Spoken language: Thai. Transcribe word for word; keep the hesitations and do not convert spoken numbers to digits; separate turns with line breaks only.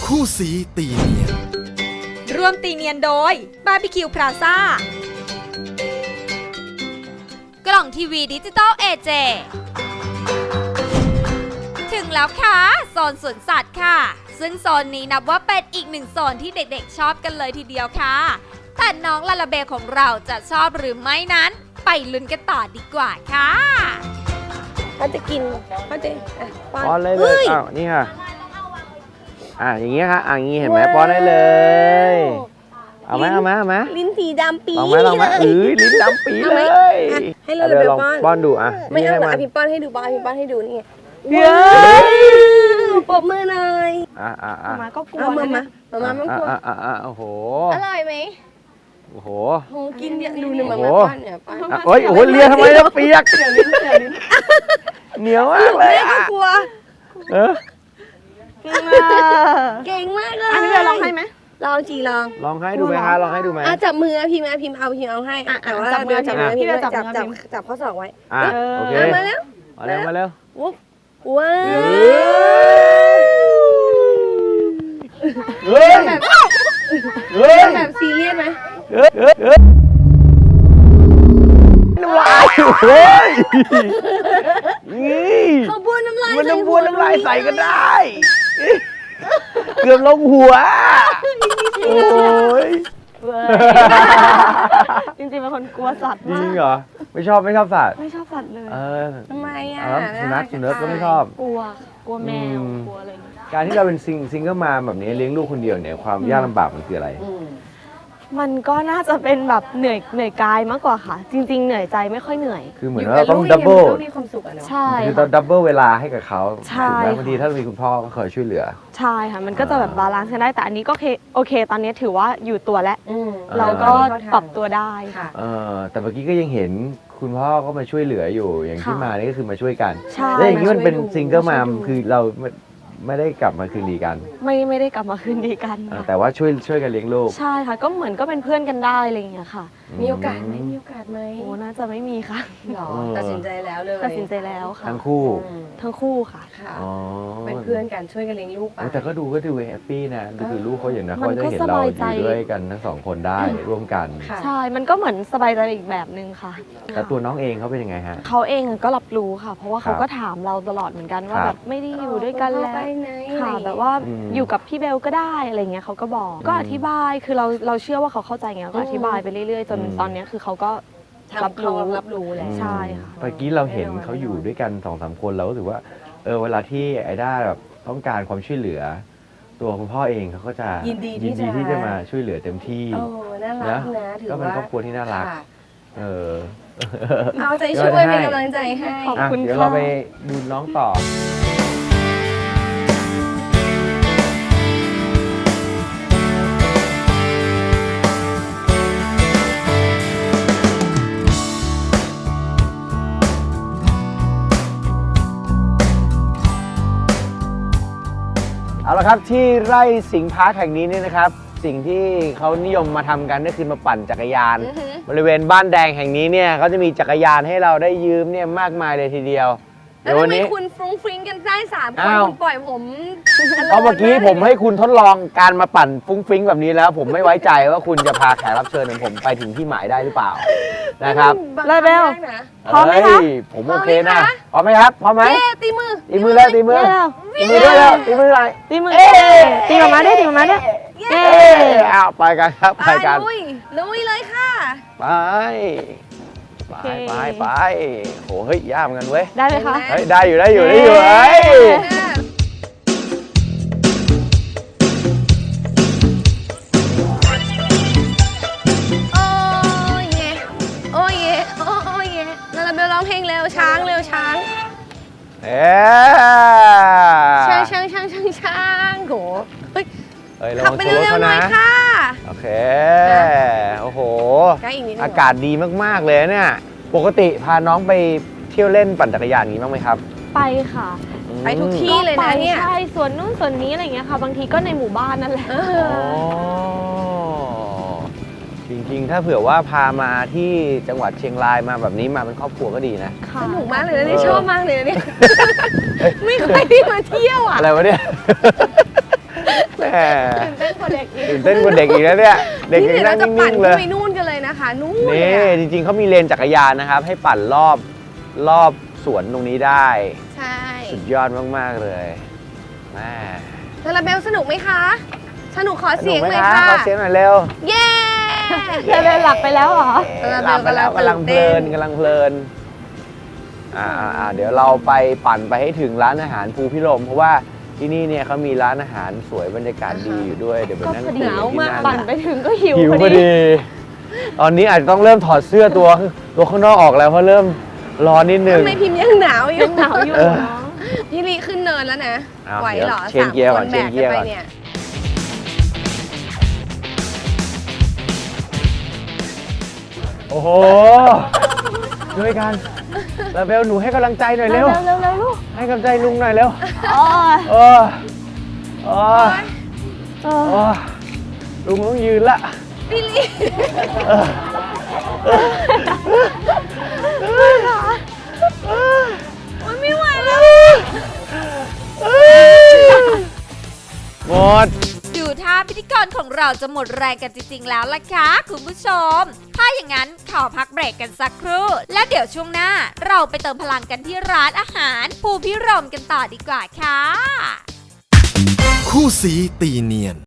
คู่สีตีเนียน
ร่วมตีเนียนโดยบาร์บีคิวพลาซ่ากล่องทีวีดิจิตอลเอเจถึงแล้วค่ะโซนสวนสัตว์ค่ะซึ่งโซนนี้นับว่าเป็นอีกหนึ่งโซนที่เด็กๆชอบกันเลยทีเดียวค่ะแต่น้องลาลาเบลของเราจะชอบหรือไม่นั้นไปลุ้นกันต่อดีกว่าค่ะ
เขาจะกินเขาจะป้อน
ป้อนเลยเลยอ้าวนี่ค่ะอ่าอย่างเงี้ยค่ะอ่าอย่างงี้เห็นไหมป้อนได้เลยเอาไหมเอาไหมเอาไหม
ลิ้นสีดำปี
ลองไหมลองไหมเอ้ยลิ้นดำปีเลย
ให้เราเลย
ลอง
ป้อน
ป้อนดูอ่ะ
ไม่เอาหรอก
ให้
อภิป้อนให้ดูป้อนอภิป้อนให้ดูนี่ไง
เย้
ปรบมือหน่อย
อ่ะอ่ะอ่ะ
มาก็กลัวมามามามาไม่กลัว
อ่ะอ่ะอ่ะโอ้โห
อร่อยไหม
โอ้โห
โหกินเยอะดูหนึ่งมามาป้อนเนี่ยป้อน
อ่ะโอ้ยโอ้ยเลียทำไมแล้วเปียกเหนียวลิ้นเหนียวมากเลย
แม่ก็
อ่ะ
กลัว
เออ
เก่งมากเลย
อันนี้เราลองให้ไหม
ลองจีลอง
ลองให้ดูไหมคะลองให้ดูไหม
อ่ะจับมือพิมพ์พิมพ์เอาพิมพ์เอาให้แต่ว่า
จับมือ
จับมือพิมพ์
จั
จั
บบ มือ
จับจับข้อศอกไว้
อ่ะโอเค
มาแล้ว
มาเร็วมาเร็ว
วุ๊บว้าว
เฮ้ย
แบบ
เฮ้ย
แบบซีเรียสไหม
เฮ้ยเฮ้ยเฮ้ยน้ำลายเฮ้ยนี่
เขาบ้วนน้ำลาย
มันน้ำบ้วนน้ำลายใส่ก็ได้ เกือบลงหัว โอ้ย
จริงๆเป็นคนกลัวสัตว์
จ
มา
ริง
ก
เหรอ ไม่ชอบไม่ชอบสัตว์
ไม่ชอบสัตว์เลย
เออ
ทำไมอ่ะ
เอาแล้วสุนัขสุนัขก็ไม่ชอบ
กลัวกลัวแมว
อืม
กลัวอะไรอย่างเงี้ย
การที่เราเป็นซิงซิงเกิลมาแบบนี้เลี้ยงลูกคนเดียวเนี่ยความยากลำบากมันคืออะไร
มันก็น่าจะเป็นแบบเหนื่อยเหนื่อยกายมากกว่าค่ะ จริง ๆ เหนื่อยใจไม่ค่อยเหนื่อย
คือเหมือนว่าเราต้องดับเบิล
มีความสุขอะเนาะ
ใช่
คือ
ค่ะ
เราดับเบิลเวลาให้กับเขา
ใช่
ถูกไหม
ค่ะ
บางทีถ้ามีคุณพ่อก็คอยช่วยเหลือ
ใช่ค่ะ มันก็จะแบบบาลานซ์กันได้แต่อันนี้ก็โอเคโอเค ตอนนี้ถือว่าอยู่ตัวแล้ว
อืม
เราก็ปรับตัวได้
ค่ะ
เออแต่เมื่อกี้ก็ยังเห็นคุณพ่อก็มาช่วยเหลืออยู่ อย่างที่
ค่ะ
มานี่ก็คือมาช่วยกัน
ใช่
แล้วอย่างนี้มันเป็น
มาช่วยดู
ซิงเกิลมาม
มาช่วยดู
คือเราไม่ไม่ได้กลับมาคืนดีกัน
ไม่ไม่ได้กลับมาคืนดีกัน
เออ
ค่ะ
แต่ว่าช่วยช่วยกันเลี้ยงลูก
ใช่ค่ะ ก็เหมือนก็เป็นเพื่อนกันได้อะไรอย่างเงี้ยค่ะ
มีโอกาสไหมมีโอกาสไหม
โอ้น่าจะไม่มีค่ะ
หรอตัดสินใจแล้วเลย
ตัดสินใจแล้วค่ะ
ทั้งคู่
อืม
ทั้งคู่ค่ะ
ค่ะ
อ๋อ
เป็นเพื่อนกันช่วยกันเลี้ยงลูกไป
โอ้แต่ก็ดูก็ดูแฮปปี้นะก็คือลูกเขาอย่างนั้น
มั
เขา
น
จะ
ก็
เห็น
ส
เรา
บาย
อ
ใจ
ยู่ด้วยกันทั้งสองคนได้ร่วมกัน
ค่ะ
ใช่ มันก็เหมือนสบายใจอีกแบบนึงค่ะ
แต่ตัวน้องเองเขาเป็นยังไงฮะ
เขาเองก็รับรู้ค่ะ เพราะว่าเขา
ครับ
ก็ถามเราตลอดเหมือนกันว่า
ครับ
แบบไม่ได้อยู่ด้วยกันแล้ว
ไปไหน
ค่ะแบบว่า
อืม
อยู่กับพี่เบลก็ได้อะไรเงี้ยเขาก็บอก ก็อธิบายคือเราเราเชื่อว่าเขาเข้าใจไงก็อธิบายไปเรื่อยๆ จน
อืม
ตอนเนี้ยคือเขาก็
ทำ
รับรู้
เขารับรู้แหละ
ใช่ค่ะ
เมื่อกี้เราเห็นเขาอยู่ด้วยกันสองสามคนเราก็รู้สึกว่าเออเวลาที่ไอ้ด้าแบบต้องการความช่วยเหลือ ตัวคุณพ่อเองเขาก็จะ
ยินดีที่
ยินดี
จะ
ที่จะมาช่วยเหลือเต็มที่
โอ้น่ารักนะถือ
ก็เป็น
ว่า
ครอบครัวที่น่ารัก
ค่ะ
เออ
เอาใจช่วยเป็นกำลังใจให้
ขอบ
อ่ะ
คุณ
เดี๋ยว
ค่ะ
เราไปดูน้องต่อ เอาละครับที่ไร่สิงห์พาร์คแห่งนี้เนี่ยนะครับ สิ่งที่เขานิยมมาทำกันก็คือมาปั่นจักรยาน
อือฮึ
บริเวณบ้านแดงแห่งนี้เนี่ยเขาจะมีจักรยานให้เราได้ยืมเนี่ยมากมายเลยทีเดียว
แล้ว
เดี๋ยว
ทำ
วัน
ไม
นี้
คุณฟรุ้งฟริ้งกันได้สามคน
อ้าว
คุณปล่อยผม
เพราะเมื่อกี้ผมให้คุณทดลองการมาปั่นฟุ้งฟิ้งแบบนี้แล้ว ผมไม่ไว้ใจว่าคุณจะพาแขกรับเชิญของผมไปถึงที่หมายได้หรือเปล่านะครับ
เลยเบล
บังคับได้นะ
พร้อมไหมคะ
เฮ้ยผมโอเคนะพร้อมไหมครับพร้อมไหม
เย้ตีมือ
ตีมือแล้วตีมือ
เร็ว
ตีมือด้วยแล้วตีมืออะไร
ตีมือ
เอ๊ะ
ตีออกมาด้วยตีออกมาด้วย
เย้
เอ๊
เอ้
ะ
เอาไปกันครับไปกัน
ลุยลุยเลยค่ะ
ไปไปไปไปโหเฮ้ยยากเหมือนกันเว้ย
ได้เลยคะ
เห็นไหม
เฮ้ยได้อยู่ได้อยู่ได้อยู่เฮ้ย
โอ้ยเย่โอ้ยเย่โอ้ยเย่ลาลาเบลร้องเพลงเร็วช้างเร็วช้าง
เอ๊
ช้าง
ะ
ช้างช้างช้างช้างโหเฮ้ย
เฮ้ยระ
ขับ
วัง
ไป
ชนรถ
เร็ว
เขา
ๆหน่
นะ
อยค่ะ
โอเคโอ้โห
ใกล้อีกนิดนึง
อากาศดีมากๆเลยเนี่ยปกติพาน้องไปเที่ยวเล่นปั่นจักรยานอย่างนี้บ้างไหมครับ
ไปค่ะ
ไปทุกที่เลยนะเนี่ย
ใช่ส่วนนู้นส่วนนี้อะไรอย่างเงี้ยค่ะ บางทีก็ในหมู่บ้านนั่นแหละ
เอ
อ๋อ
อ
จริงๆ ถ้าเผื่อว่าพามาที่จังหวัดเชียงรายมาแบบนี้มาเป็นครอบครัวก็ดีนะ
ค่ะ
สนุกมากเลยนะเนี่ย
เออ
ชอบมากเลยนะเนี่ยไม่เคยได้มาเที่ยวอ่ะ
อะไรวะเนี่ย แหม
ตื่นเต้นกว่าเด็กอีก
ตื่นเต้นกว่าเด็กอีกแล้วเนี่ย เด็ก
นี่
ยัง
เดี๋ยว
นั่
เรา
ง
จะปั่น
นิ่งๆเล
ขึ้น
ย
ไปนู่นกันเลยนะคะนู่นเลย
นี่
อะ
จริงๆเขามีเลนจักรยานนะครับ ให้ปั่นรอบรอบสวนตรงนี้ได้
ใช่
สุดยอดมากๆเลยแม่
ลาลาเบลสนุกไหมคะ สนุกขอ
ส
เสี
นุ
ย
ก
ง
ไหม
เลย
คะ
ค่ะ
ขอเสียงหน่อยเร็ว
เย้
เธอเลยหลับไปแล้วเหรอ
ลาลาเบล
หลับไปแล้ว
กำ
กำ
ลั
ลั
ง
ง
ตื่
เพ
น
ลิ
เต้
น
น
กำลังเพลินอ่าอ่าอ่าเดี๋ยวเราไปปั่นไปให้ถึงร้านอาหารภูพิรมย์เพราะว่าที่นี่เนี่ยเขามีร้านอาหารสวยบรรยากาศดีอยู่ด้วยเดี๋ยวไป
ก็
นั่ง
พอ
คุ
ดี
ยกันที่นั่น
ปั่นไปถึงก็หิว
หิว
พ
พ
อ
อ
ดี
ดี ตอนนี้อาจจะต้องเริ่มถอดเสื้อตัวตัวข้างนอกออกแล้วเพราะเริ่มร้อนนิดนึง
ทำไมพิมพ์ยังหนาวอยู่
ยังหนาวอยู่
เออ
เนาะ
พี่ลีขึ้นเนินแล้วนะ
เอา
ไหวเหรอ
เดี๋ยวเชนเกียร์ก่อน
สามค
เชนเกียร์
แบ
ก่อน
ไปเนี่ย
โอ้โหด้วยกันลาเบลหนูให้กำลังใจหน่อยเร็ว
เร็วๆเร็วๆลูก
ให้กำลังใจลุงหน่อยเร็ว
อ๋อ
เออเออ
เอ
เอ
อ
อลุงต้องยืนละ
พี่ลี
เออเออ
โอ๊ยไม่ไหวแล้ว
หมด
ดูท่าพิธีกรของเราจะหมดแรงกันจริงๆแล้วล่ะค่ะคุณผู้ชม ถ้าอย่างนั้นขอพักเบรกกันสักครู่ แล้วเดี๋ยวช่วงหน้าเราไปเติมพลังกันที่ร้านอาหารภูพิรมย์กันต่อดีกว่าค่ะ
คู่สีตีเนียน